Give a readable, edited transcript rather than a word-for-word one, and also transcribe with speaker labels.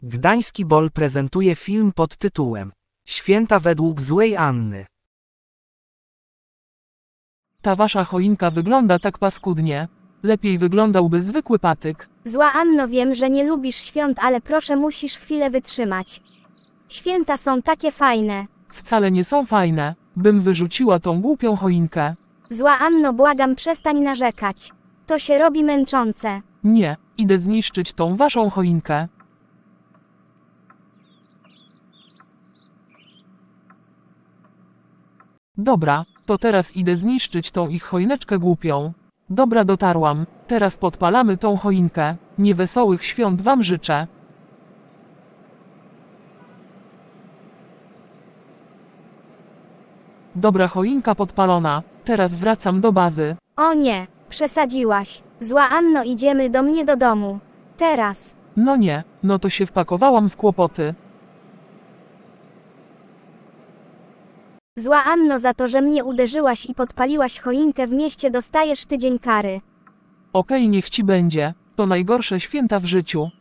Speaker 1: Gdański Bol prezentuje film pod tytułem Święta według złej Anny.
Speaker 2: Ta wasza choinka wygląda tak paskudnie. Lepiej wyglądałby zwykły patyk.
Speaker 3: Zła Anno, wiem, że nie lubisz świąt, ale proszę, musisz chwilę wytrzymać. Święta są takie fajne.
Speaker 2: Wcale nie są fajne. Bym wyrzuciła tą głupią choinkę.
Speaker 3: Zła Anno, błagam, przestań narzekać. To się robi męczące.
Speaker 2: Nie, idę zniszczyć tą waszą choinkę. Dobra, to teraz idę zniszczyć tą ich choineczkę głupią. Dobra, dotarłam. Teraz podpalamy tą choinkę. Niewesołych świąt wam życzę. Dobra, choinka podpalona. Teraz wracam do bazy.
Speaker 3: O nie, przesadziłaś. Zła Anno, idziemy do mnie do domu. Teraz.
Speaker 2: No nie, no to się wpakowałam w kłopoty.
Speaker 3: Zła Anno, za to, że mnie uderzyłaś i podpaliłaś choinkę w mieście, dostajesz tydzień kary.
Speaker 2: Okej, niech ci będzie. To najgorsze święta w życiu.